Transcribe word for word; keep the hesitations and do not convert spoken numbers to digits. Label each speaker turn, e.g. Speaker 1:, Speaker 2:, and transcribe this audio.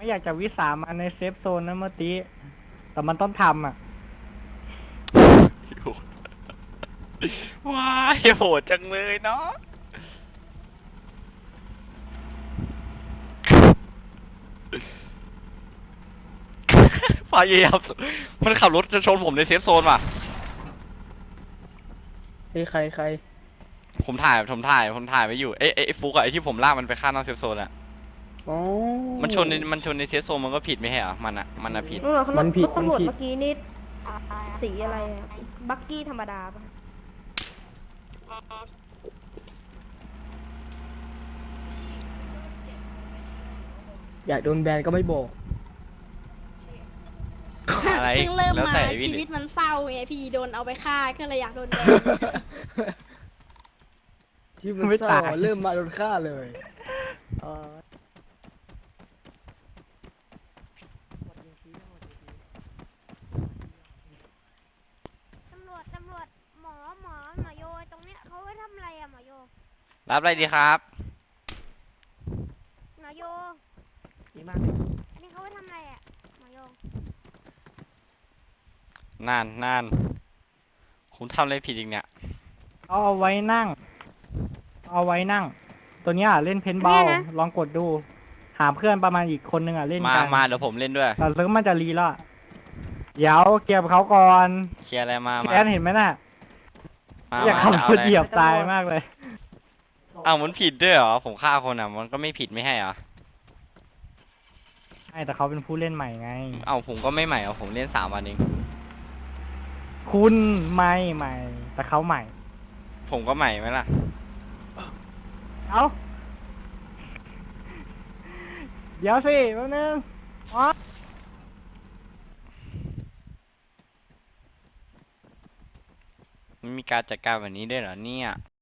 Speaker 1: ไม่อยากจะวิสามันในเซฟโซนนะเมื่อกี้แต่มันต้องทำอ่ะ
Speaker 2: ว้ายโหดจังเลยเนาะพยายามมันขับรถจะชนผมในเซฟโซนว่ะ
Speaker 3: เฮ้ยใครใคร
Speaker 2: ผมถ่ายผมถ่ายผมถ่ายไว้อยู่เอ้ไอ้ฟุกอะไอ้ที่ผมลากมันไปฆ่านอกเซฟโซนอะ
Speaker 3: อ๋อ
Speaker 2: มันชนในมันชนในเซฟโซนมันก็ผิดไม่ใช่เหรอมันอะมันอะผิด
Speaker 4: เออรถ
Speaker 3: มันผิด
Speaker 4: รถตำรวจ
Speaker 3: มันผิด
Speaker 4: เมื่อกี้นี่สีอะไรอะบักกี้ธรรมดาปะ
Speaker 3: อยากโดนแบนก็ไม่บอก
Speaker 2: อะไร
Speaker 5: เพิ่งเริ่ม
Speaker 2: แล้ว
Speaker 5: มา
Speaker 2: แต่พี่
Speaker 5: ชีวิตมันเศร้าไงพี่โดนเอาไปฆ่าก็เลยอยากโดนแบน
Speaker 3: ที่มัน
Speaker 1: ไม่
Speaker 3: เศร้า
Speaker 1: ตาย
Speaker 3: เริ่มมาโดนฆ่าเลยเออ
Speaker 6: ตำรวจ ตำรวจ หมอ หมอ หมอโย ตรงเนี้ยเขาไว้ทำอะไรอะหมอโย
Speaker 2: รับอะไรดีครับ
Speaker 6: หมอโย
Speaker 3: ดีมาก
Speaker 6: อันนี้เขาไว้ทำอะไรอะหมอโย
Speaker 2: นานนานผมทำอะไรผิดอีกเนี่ย
Speaker 1: เอาเอาไว้นั่ง เอาไว้นั่ง ตัวเนี้ยเล่นเพนบอลลองกดดู หาเพื่อนประมาณอีกคนนึงอ่ะเล่น
Speaker 2: มา
Speaker 1: กัน
Speaker 2: มาเดี๋ยวผมเล่นด้วย
Speaker 1: แต่เซิร์ฟมันจะรีแล้วอะเดี๋ยวเก็บเขาก่อน
Speaker 2: เคลียร์อะไรมามา
Speaker 1: แอนเห็นไหมน่ะ
Speaker 2: มา
Speaker 1: อยาก
Speaker 2: มา
Speaker 1: ขับ
Speaker 2: จะ
Speaker 1: ร
Speaker 2: เอา
Speaker 1: ถ
Speaker 2: อะไร
Speaker 1: เหยียบตายมากเลย
Speaker 2: อ้าวมันผิดด้วยเหรอผมฆ่าคนอ่ะมันก็ไม่ผิดไม่ให้เหรอ
Speaker 1: ใช่แต่เขาเป็นผู้เล่นใหม่ไง
Speaker 2: เอ้าผมก็ไม่ใหม่เอาผมเล่นสามวันเอง
Speaker 1: คุณไม่ใหม่ แต่เขาใหม่
Speaker 2: ผมก็ใหม่ไหมล่ะ
Speaker 1: เอาเดี๋ยวสิแป๊บนึงอ๋อ
Speaker 2: มันมีการจัดการแบบนี้ด้วยเหรอเนี่ย